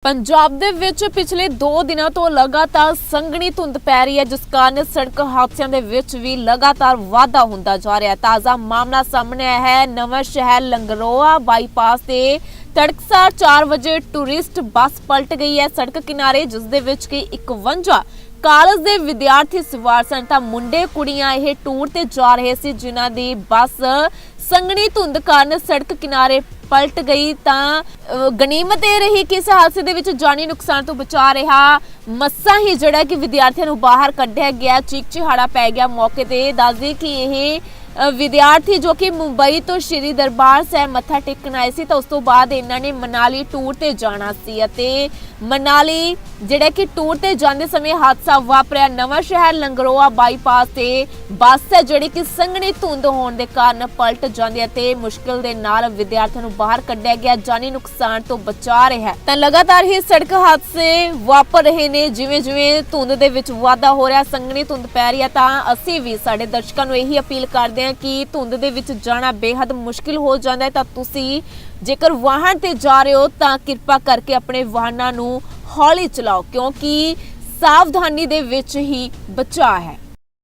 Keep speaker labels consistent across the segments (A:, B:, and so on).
A: ਪੰਜਾਬ ਦੇ ਵਿੱਚ ਪਿਛਲੇ 2 ਦਿਨਾਂ ਤੋਂ ਲਗਾਤਾਰ ਸੰਘਣੀ ਧੁੰਦ ਪੈ ਰਹੀ ਹੈ, ਜਿਸ ਕਾਰਨ ਸੜਕ ਹਾਦਸਿਆਂ ਦੇ ਵਿੱਚ ਵੀ ਲਗਾਤਾਰ ਵਾਧਾ ਹੁੰਦਾ ਜਾ ਰਿਹਾ ਹੈ। ਤਾਜ਼ਾ ਮਾਮਲਾ ਸਾਹਮਣੇ ਆਇਆ ਹੈ ਨਵਾਂ ਸ਼ਹਿਰ ਲੰਗਰੋਆ ਬਾਈਪਾਸ ਤੇ ਤੜਕਸਾਰ 4 ਵਜੇ ਟੂਰਿਸਟ ਬੱਸ ਪਲਟ ਗਈ ਹੈ ਸੜਕ ਕਿਨਾਰੇ, ਜਿਸ ਦੇ ਵਿੱਚ ਕਿ 51 ਕਾਲਜ ਦੇ ਵਿਦਿਆਰਥੀ ਸਵਾਰ ਸਨ। ਤਾਂ ਮੁੰਡੇ ਕੁੜੀਆਂ ਇਹ ਟੂਰ ਤੇ ਜਾ ਰਹੇ ਸੀ, ਜਿਨ੍ਹਾਂ ਦੀ ਬੱਸ ਸੰਘਣੀ ਧੁੰਦ ਕਾਰਨ ਸੜਕ ਕਿਨਾਰੇ ਪਲਟ ਗਈ। ਤਾਂ ਗਨੀਮਤ ਇਹ ਰਹੀ ਕਿ ਇਸ ਹਾਦਸੇ ਦੇ ਵਿੱਚ ਜਾਨੀ ਨੁਕਸਾਨ ਤੋਂ ਬਚਾ ਰਿਹਾ ਮੱਸਾ ਹੀ ਜਿਹੜਾ ਕਿ ਵਿਦਿਆਰਥੀਆਂ ਨੂੰ ਬਾਹਰ ਕੱਢਿਆ ਗਿਆ। ਚੀਕ ਚਿਹਾੜਾ ਪੈ ਗਿਆ ਮੌਕੇ ਤੇ। ਦੱਸਦੇ ਕਿ ਇਹ ਵਿਦਿਆਰਥੀ ਜੋ ਕਿ ਮੁੰਬਈ ਤੋਂ ਸ਼੍ਰੀ ਦਰਬਾਰ ਸਾਹਿਬ ਮੱਥਾ ਟੇਕਣ ਆਏ ਸੀ, ਤਾਂ ਉਸ ਤੋਂ ਬਾਅਦ ਇਹਨਾਂ ਨੇ ਮਨਾਲੀ ਟੂਰ ਤੇ ਜਾਣਾ ਸੀ ਅਤੇ ਮਨਾਲੀ ਜਿਹੜਾ ਕਿ ਟੂਰ ਤੇ ਜਾਂਦੇ ਸਮੇਂ ਹਾਦਸਾ ਵਾਪਰਿਆ। ਨਵਾਂ ਸ਼ਹਿਰ ਲੰਗਰੋਆ ਬਾਈਪਾਸ ਤੇ ਬੱਸ ਹੈ ਜਿਹੜੀ ਕਿ ਸੰਘਣੀ ਧੁੰਦ ਹੋਣ ਦੇ ਕਾਰਨ ਪਲਟ ਜਾਂਦੀ ਹੈ ਤੇ ਮੁਸ਼ਕਿਲ ਦੇ ਨਾਲ ਵਿਦਿਆਰਥੀਆਂ ਨੂੰ ਬਾਹਰ ਕੱਢਿਆ ਗਿਆ, ਜਾਨੀ ਨੁਕਸਾਨ ਤੋਂ ਬਚਾ ਰਿਹਾ ਹੈ। ਤਾਂ ਲਗਾਤਾਰ ਹੀ ਸੜਕ ਹਾਦਸੇ ਵਾਪਰ ਰਹੇ ਨੇ। ਜਿਵੇਂ ਜਿਵੇਂ ਧੁੰਦ ਦੇ ਵਿੱਚ ਵਾਧਾ ਹੋ ਰਿਹਾ, ਸੰਘਣੀ ਧੁੰਦ ਪੈ ਰਹੀ ਹੈ, ਤਾਂ ਅਸੀਂ ਵੀ ਸਾਡੇ ਦਰਸ਼ਕਾਂ ਨੂੰ ਇਹੀ ਅਪੀਲ ਕਰਦੇ ਹਾਂ ਕਿ ਧੁੰਦ ਦੇ ਵਿੱਚ ਜਾਣਾ ਬੇहद ਮੁਸ਼ਕਿਲ ਹੋ ਜਾਂਦਾ ਹੈ। ਤਾਂ ਤੁਸੀਂ ਜੇਕਰ ਵਾਹਨ ਤੇ ਜਾ ਰਹੇ ਹੋ ਤਾਂ ਕਿਰਪਾ ਕਰਕੇ ਆਪਣੇ ਵਾਹਨਾਂ ਨੂੰ ਹੌਲੀ ਚਲਾਓ, ਕਿਉਂਕਿ ਸਾਵਧਾਨੀ ਦੇ ਵਿੱਚ ਹੀ ਬਚਾਅ ਹੈ।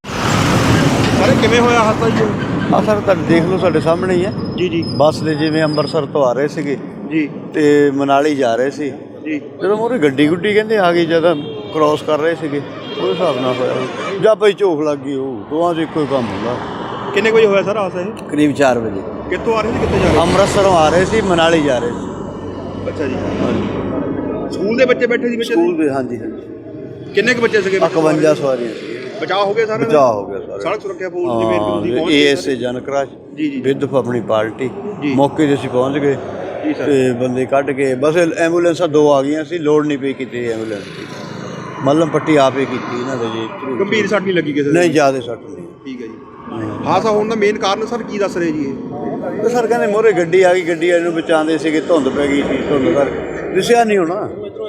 B: ਸਾਰੇ ਕਿਵੇਂ ਹੋਇਆ ਹਾਦਸਾ ਜੀ?
C: ਆ ਸਰ ਤਾਂ ਦੇਖ ਲਓ ਸਾਡੇ ਸਾਹਮਣੇ ਹੀ ਹੈ
B: ਜੀ
C: ਬੱਸ ਦੇ ਜਿਵੇਂ ਅੰਮ੍ਰਿਤਸਰ ਤੋਂ ਆ ਰਹੇ ਸੀਗੇ
B: ਜੀ
C: ਤੇ ਮਨਾਲੀ ਜਾ ਰਹੇ ਸੀ।
B: ਜੀ
C: ਜਦੋਂ ਮੂਹਰੇ ਗੱਡੀ ਗੁੱਡੀ ਕਹਿੰਦੇ ਆ ਗਈ, ਜਦੋਂ ਕ੍ਰਾਸ ਕਰ ਰਹੇ ਸੀਗੇ ਉਹਦੇ ਹਿਸਾਬ ਨਾਲ ਹੋਇਆ ਜਾਂ ਬਈ ਝੋਕ ਲੱਗ ਗਈ। ਉਹ ਦੋਵਾਂ 'ਚ ਇੱਕੋ ਹੀ ਕੰਮ ਹੁੰਦਾ।
B: ਕਿੰਨੇ ਵਜੇ ਹੋਇਆ ਸਰ ਹਾਦਸਾ ਇਹ?
C: ਕਰੀਬ 4 ਵਜੇ
B: ਕਿੱਥੋਂ ਆ ਰਹੇ ਸੀ ਕਿੱਥੇ ਜਾ ਰਹੇ
C: ਅੰਮ੍ਰਿਤਸਰੋਂ ਆ ਰਹੇ ਸੀ, ਮਨਾਲੀ ਜਾ ਰਹੇ ਸੀ।
B: ਸੀ? ਅੱਛਾ ਜੀ।
C: ਹਾਂਜੀ
B: ਸਕੂਲ ਦੇ ਬੱਚੇ ਬੈਠੇ ਸੀ ਵਿੱਚ?
C: ਸਕੂਲ ਦੇ, ਹਾਂਜੀ ਹਾਂਜੀ।
B: ਕਿੰਨੇ ਕੁ ਬੱਚੇ ਸੀਗੇ?
C: 51 ਸਵਾਰੀਆਂ ਸੀ।
B: ਬਚਾਅ ਹੋ ਗਿਆ ਸਾਰੇ?
C: ਬਚਾਅ ਹੋ ਗਿਆ ਸਾਰੇ।
B: ਸੜਕ ਸੁਰੱਖਿਆ ਫੌਜ ਜਿਵੇਂ ਤੁਸੀਂ ਪਹੁੰਚ
C: ਏਐਸਏ ਜਨਕਰਾਜ
B: ਜੀ ਜੀ
C: ਵਿਦ ਆਪਣੀ ਪਾਰਟੀ
B: ਜੀ।
C: ਮੌਕੇ 'ਤੇ ਅਸੀਂ ਪਹੁੰਚ ਗਏ
B: ਜੀ ਸਰ।
C: ਤੇ ਬੰਦੇ ਕੱਢ ਕੇ ਬਸ ਐਂਬੂਲੈਂਸਾਂ 2 ਆ ਗਈਆਂ ਸੀ, ਲੋੜ ਨਹੀਂ ਪਈ ਕਿਤੇ ਐਂਬੂਲੈਂਸ ਦੀ। ਮੱਲਮ ਪੱਟੀ ਆਪੇ ਕੀਤੀ ਇਹਨਾਂ ਦੇ ਜੀ।
B: ਗੰਭੀਰ ਸੱਟ ਨਹੀਂ ਲੱਗੀ ਕਿਸੇ ਦੇ?
C: ਨਹੀਂ ਜ਼ਿਆਦਾ ਸੱਟ ਨਹੀਂ।
B: ਠੀਕ ਹੈ ਜੀ। ਹਾਦਸਾ ਹੋਣ ਦਾ ਮੇਨ ਕਾਰਨ ਸਰ ਕੀ ਦੱਸ ਰਹੇ ਜੀ ਇਹ?
C: ਤੇ ਸਰ ਕਹਿੰਦੇ ਮੋਹਰੇ ਗੱਡੀ ਆ ਗਈ, ਗੱਡੀ ਵਾਲੇ ਨੂੰ ਬਚਾਉਂਦੇ ਸੀਗੇ, ਧੁੰਦ ਪੈ ਗਈ ਸੀ, ਧੁੰਦ ਕਰਕੇ ਦਿਸਿਆ ਨਹੀਂ ਹੋਣਾ,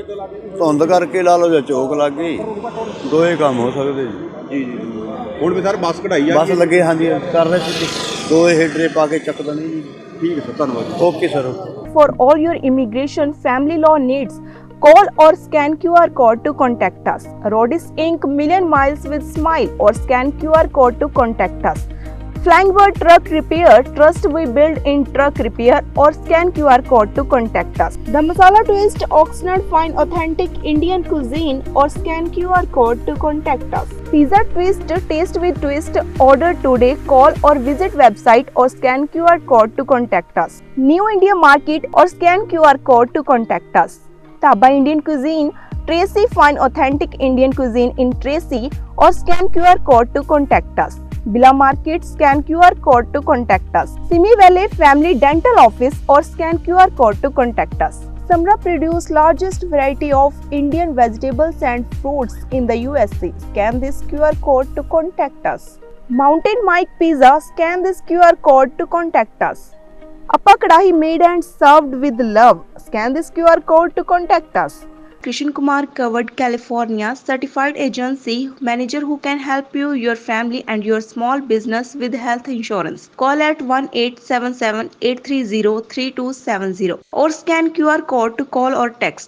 C: ਧੁੰਦ ਕਰਕੇ ਲਾ ਲਓ ਜਾਂ ਚੋਕ ਲੱਗ ਗਈ, ਦੋਏ ਕੰਮ ਹੋ ਸਕਦੇ ਜੀ।
B: ਜੀ ਜੀ। ਹੁਣ ਵੀ ਸਰ ਬੱਸ ਕਢਾਈ ਆ?
C: ਬਸ ਲੱਗੇ, ਹਾਂਜੀ ਕਰ ਰਹੇ ਸੀ, ਦੋਏ ਹੇਡਰੇ ਪਾ ਕੇ ਚੱਕ ਦੇਣੀ ਜੀ।
B: ਠੀਕ ਹੈ ਸਰ, ਧੰਨਵਾਦ।
C: Okay sir.
D: For all your immigration family law needs, call or scan QR code to contact us. Rodis Inc. Million Miles with Smile or scan QR code to contact us. Flying Bird Truck Repair, trust we build in truck repair or scan QR code to contact us. The Masala Twist, Oxnard Fine Authentic Indian Cuisine or scan QR code to contact us. Pizza Twist, Taste with Twist, order today, call or visit website or scan QR code to contact us. New India Market or scan QR code to contact us. Taba Indian Cuisine, Tracy Fine Authentic Indian Cuisine in Tracy or scan QR code to contact us. Bila Market, scan QR code to contact us. Simi Valley Family Dental Office or scan QR code to contact us. Samra produce largest variety of Indian vegetables and fruits in the USA. Scan this QR code to contact us. Mountain Mike Pizza, scan this QR code to contact us. Appa Kadahi made and served with love. Scan this QR code to contact us. Krishan Kumar Covered California certified agency manager who can help you, your family and your small business with health insurance. Call at 1-877-830-3270 or scan QR code to call or text.